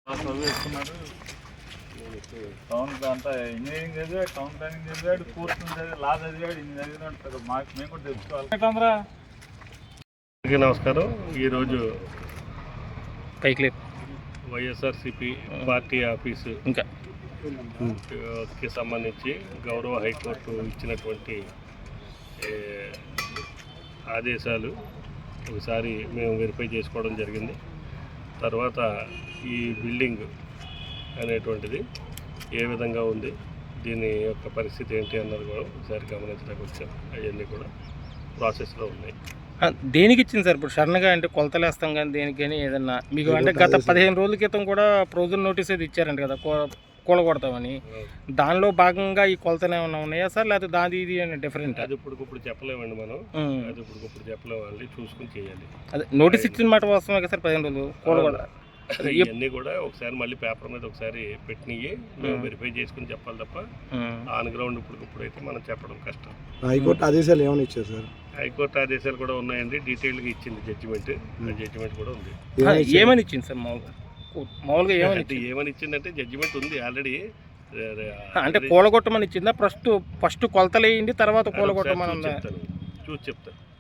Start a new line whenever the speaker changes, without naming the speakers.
చదువుకున్నాడు. టౌన్ అంతా ఇంజనీరింగ్ చదివాడు, టౌన్ ప్లానింగ్ చదివాడు, కోర్సులు చదివాడు, లా చదివాడు, ఇన్ని చదివినట్టు మాకు మేము కూడా తెలుసుకోవాలి.
అందరికీ నమస్కారం. ఈరోజు
పైకి
వైఎస్ఆర్సిపి పార్టీ ఆఫీసు
ఇంకా
కి సంబంధించి గౌరవ హైకోర్టు ఇచ్చినటువంటి ఆదేశాలు ఒకసారి మేము వెరిఫై చేసుకోవడం జరిగింది. తర్వాత ఈ బిల్డింగ్ అనేటువంటిది ఏ విధంగా ఉంది, దీని యొక్క పరిస్థితి ఏంటి అన్నది కూడా ఒకసారి గమనించడానికి వచ్చాం. అవన్నీ కూడా ప్రాసెస్లో ఉన్నాయి.
దేనికి ఇచ్చింది సార్? ఇప్పుడు సడన్గా అంటే కొలతలు వేస్తాం కానీ దేనికి కానీ ఏదన్నా మీకు అంటే గత 15 రోజుల క్రితం కూడా ప్రొవిజన్ నోటీస్ అది ఇచ్చారంట కదా కూలగొడతామని. దానిలో భాగంగా ఈ కొలతలు ఏమైనా ఉన్నాయా సార్, లేకపోతే దాని ఇది డిఫరెంట్?
అది ఇప్పుడు చెప్పలేమండి మనం. అది ఇప్పుడు చెప్పలేమండి, చూసుకుని చేయాలి.
అదే నోటీస్ ఇచ్చిన మాట వస్తామే కదా సార్ 15 రోజులు కూలగొడ.
ఇవన్నీ కూడా ఒకసారి మళ్ళీ పేపర్ మీద ఒకసారి పెట్టినవి మేము వెరిఫై చేసుకుని చెప్పాలి తప్ప ఆన్ గ్రౌండ్ ఇప్పుడైతే మనం చెప్పడం కష్టం.
హైకోర్టు ఆదేశాలు ఏమైనా ఇచ్చారు సార్?
హైకోర్టు ఆదేశాలు కూడా ఉన్నాయండి, డీటెయిల్గా ఇచ్చింది జడ్జిమెంట్. జడ్జిమెంట్ కూడా ఉంది.
ఏమని ఇచ్చింది సార్? మామూలుగా
ఏమని ఇచ్చిందంటే జడ్జిమెంట్ ఉంది ఆల్రెడీ.
అంటే కూలగొట్టమని ఇచ్చిందా? ఫస్ట్ కొలతలు వేయండి, తర్వాత కూలగొట్టమని ఉందా?
చూసి చెప్తాను.